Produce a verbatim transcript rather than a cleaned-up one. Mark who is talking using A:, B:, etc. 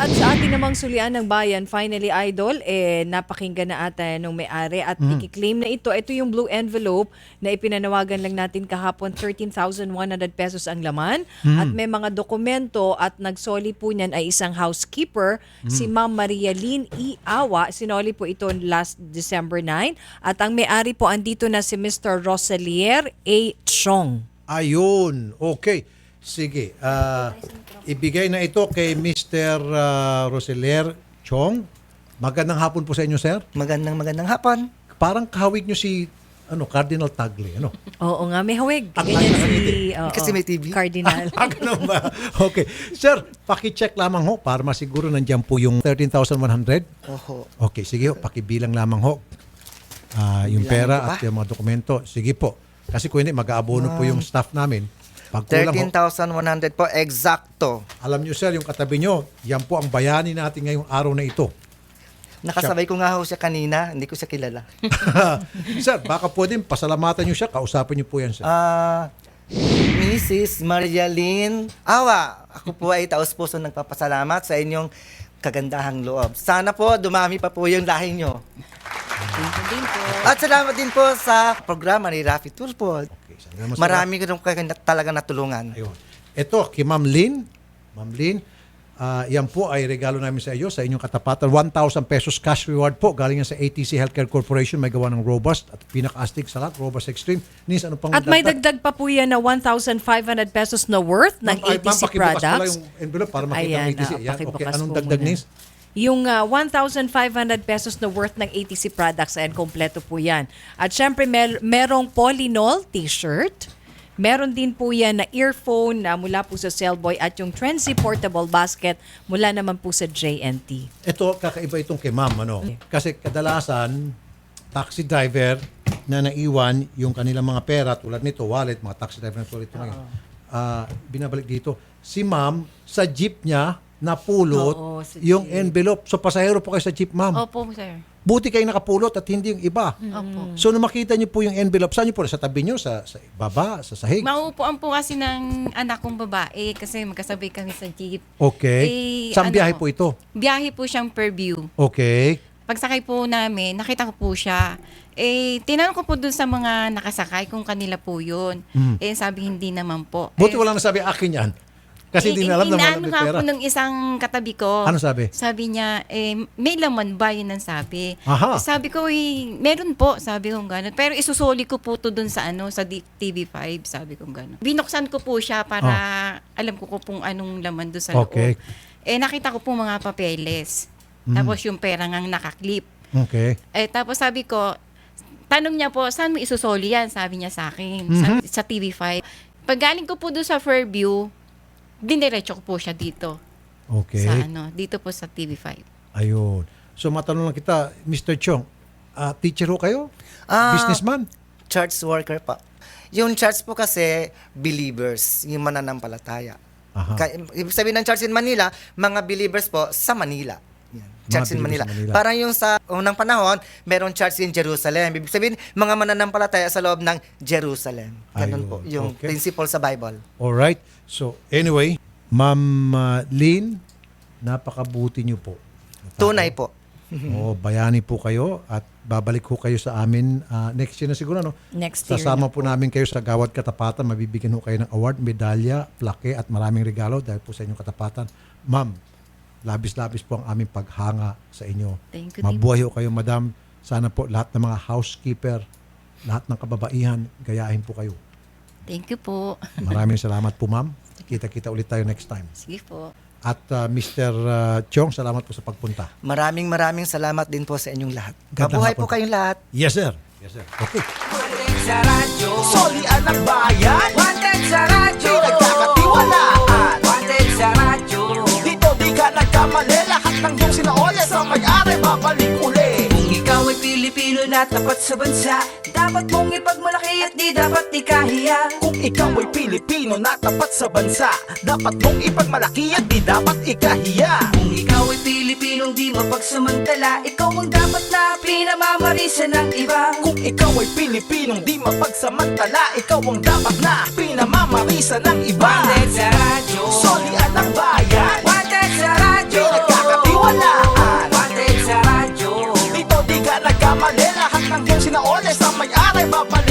A: At sa ating namang sulian ng bayan, finally, Idol, eh, napakinggan na ata nung may-ari at
B: Mm.
A: ikiklaim na ito. Ito yung blue envelope na ipinanawagan lang natin kahapon, thirteen thousand one hundred pesos ang laman.
B: Mm.
A: At may mga dokumento at nagsoli po niyan ay isang housekeeper,
B: Mm.
A: si Ma'am Maria Lynn E. Awa. Sinoli po ito last December ninth. At ang may-ari po andito na si Mister Rosalier A. Chong.
B: Ayun. Okay. Sige. ah, ibigay na ito kay Mister Uh, Roselier Chong. Magandang hapon po sa inyo, sir.
C: Magandang magandang hapon.
B: Parang kahawig nyo si ano Cardinal Tagle. Ano?
A: Oo nga, may hawig.
B: Ang
A: Ganyan
B: nakangiti.
A: si oo,
C: Kasi may T V.
A: Cardinal.
B: Ah, ganun ba? Okay. Sir, pakicheck lamang ho para masiguro nandiyan po yung thirteen thousand one hundred.
C: Oho.
B: Okay, sige ho. Pakibilang lamang ho. Ah, yung
C: Bilangin
B: pera
C: ko ba?
B: at yung mga dokumento. Sige po. Kasi kung hindi, mag-aabono po yung staff namin. Pag kulang
C: thirteen
B: ho,
C: thousand one hundred po, exacto.
B: alam nyo sir, yung katabi nyo, yan po ang bayani natin ngayong araw na ito.
C: Nakasabay ko nga ho siya kanina, hindi ko siya kilala.
B: Sir, baka pwedeng pasalamatan nyo siya, kausapin nyo po yan sir.
C: Ah, Missus Maria Lynn Awa, ako po ay taos-puso nagpapasalamat sa inyong kagandahang loob. Sana po dumami pa po yung lahi nyo.
A: Din po.
C: At salamat din po sa programa ni Rafi Tulfo.
B: Okay, salamat, sir.
C: Marami ko rin kayo na- talaga natulungan.
B: Ayun. Ito, kay Ma'am Lynn. Ma'am Lynn, ah, yan po ay regalo namin sa iyo, sa inyong katapatan. one thousand pesos cash reward po. Galing yan sa A T C Healthcare Corporation. May gawa ng Robust at pinaka-astig sa lahat, Robust Extreme. Nis, ano pang
A: At may dagdag pa po yan na one thousand five hundred pesos na worth ng
B: Ma'am, ay,
A: A T C
B: ma'am, pakibukas pala
A: products.
B: yung envelope para makita
A: Ayan,
B: ng A T C.
A: ah,
B: Yan, okay.
A: pakibukas
B: Anong
A: po
B: dagdag,
A: muna.
B: Nis?
A: Yung uh, one thousand five hundred pesos na worth ng A T C products, ayan, kompleto po yan. At syempre, mer- merong Polynol t-shirt. Meron din po yan na earphone na mula po sa Cellboy at yung Trenzy Portable Basket mula naman po sa J N T.
B: Ito, kakaiba itong kay ma'am. Ano? Kasi kadalasan, taxi driver na naiwan yung kanilang mga pera, tulad nito, wallet, mga taxi driver na tulad ito ngayon, ah, binabalik dito. Si ma'am, sa jeep niya, napulot
A: Oo, sa
B: yung
A: jeep.
B: envelope. So, pasahero po kayo sa jeep, ma'am.
D: Opo, sir.
B: Buti kayo nakapulot at hindi yung iba.
D: Opo.
B: So, nung makita niyo po yung envelope, saan niyo po? Sa tabi niyo? Sa, sa baba? Sa sahig?
D: Mauupuan po kasi ng anak kong babae kasi magkasabay kami sa jeep.
B: Okay.
D: Eh,
B: Saan
D: ano
B: biyahe
D: po?
B: po ito?
D: Biyahe po siyang per view.
B: Okay.
D: Pagsakay po namin, nakita ko po siya. Eh, tinanong ko po dun sa mga nakasakay kung kanila po yun.
B: Mhm.
D: Eh, sabi hindi naman po.
B: Buti
D: eh,
B: wala nasabi akin yan. Kasi hindi na alam na
D: inaano
B: malapit
D: nga
B: pera.
D: po ng isang katabi ko.
B: Ano sabi?
D: Sabi niya, eh, may laman ba? Yun ang sabi.
B: Aha.
D: Sabi ko, eh, meron po. Sabi ko gano'n. Pero isusoli ko po to dun sa ano, sa D- T V five. Sabi ko gano'n. Binuksan ko po siya para alam ko ko kung anong laman doon sa
B: Oh. Okay.
D: loob. Eh, nakita ko po mga papeles.
B: Mm.
D: Tapos yung pera ngang nakaklip.
B: Okay.
D: Eh, tapos sabi ko, tanong niya po, saan mo isusoli yan? Sabi niya sa akin,
B: Mhm.
D: sa, sa T V five. Pag galing ko po doon sa Fairview, diniretso ko po siya dito.
B: Okay.
D: Sa ano, dito po sa T V five.
B: Ayun. So matanong lang kita, Mister Chong, ah, teacher ho kayo?
C: Ah,
B: Businessman?
C: Church worker pa. Yung church po kasi, believers, yung mananampalataya.
B: Aha.
C: Ka- ibig sabihin ng church in Manila, mga believers po sa Manila. Yan. Church in
B: believers
C: Manila.
B: sa Manila.
C: Parang yung sa unang panahon, merong church in Jerusalem. Ibig sabihin, mga mananampalataya sa loob ng Jerusalem. Ganun
B: Ayun.
C: po, yung
B: Okay.
C: principle sa Bible.
B: Alright. So anyway, Ma'am uh, Lynn, napakabuti niyo po.
C: Tunay po.
B: Oo, bayani po kayo at babalik ko kayo sa amin ah, next year na siguro. No?
A: Next year
B: Sasama
A: na
B: po namin kayo sa Gawad Katapatan. Mabibigyan ho kayo ng award, medalya, plaque at maraming regalo dahil po sa inyong katapatan. Ma'am, labis-labis po ang aming paghanga sa inyo.
D: Thank you din
B: Mabuhay ho kayo, madam. Sana po lahat ng mga housekeeper, lahat ng kababaihan, gayahin po kayo.
D: Thank you po.
B: Maraming salamat po, ma'am. Kita-kita ulit tayo next time.
D: Sige po.
B: At uh, Mister Uh, Chong, salamat po sa pagpunta.
C: Maraming maraming salamat din po sa inyong lahat.
B: Gandang
C: Mabuhay
B: hapon
C: po
B: po.
C: kayong lahat.
B: Yes, sir. Yes, sir. Okay.
E: Sa radyo, solian ang bayan. Wanted sa radyo, di nagkakatiwalaan. Wanted sa radyo, dito di ka nagkamali. Lahat ng iyong sinaolya sa may-ari babalik uli. Kung ikaw ay Pilipino na tapat sa bansa, dapat mong ipagmalaki at di dapat ikahiya. Kung ikaw ay Pilipino na tapat sa bansa, dapat mong ipagmalaki at di dapat ikahiya. Kung ikaw ay Pilipinong di mapagsamantala, ikaw ang dapat na pinamamarisa ng iba. Kung ikaw ay Pilipinong di mapagsamantala, ikaw ang dapat na pinamamarisa ng iba. Wanted sa radyo, solian ang bayan. Wanted sa radyo, di nagkakatiwalaan. Lahat ng iyong sinaole sa may-ari babalik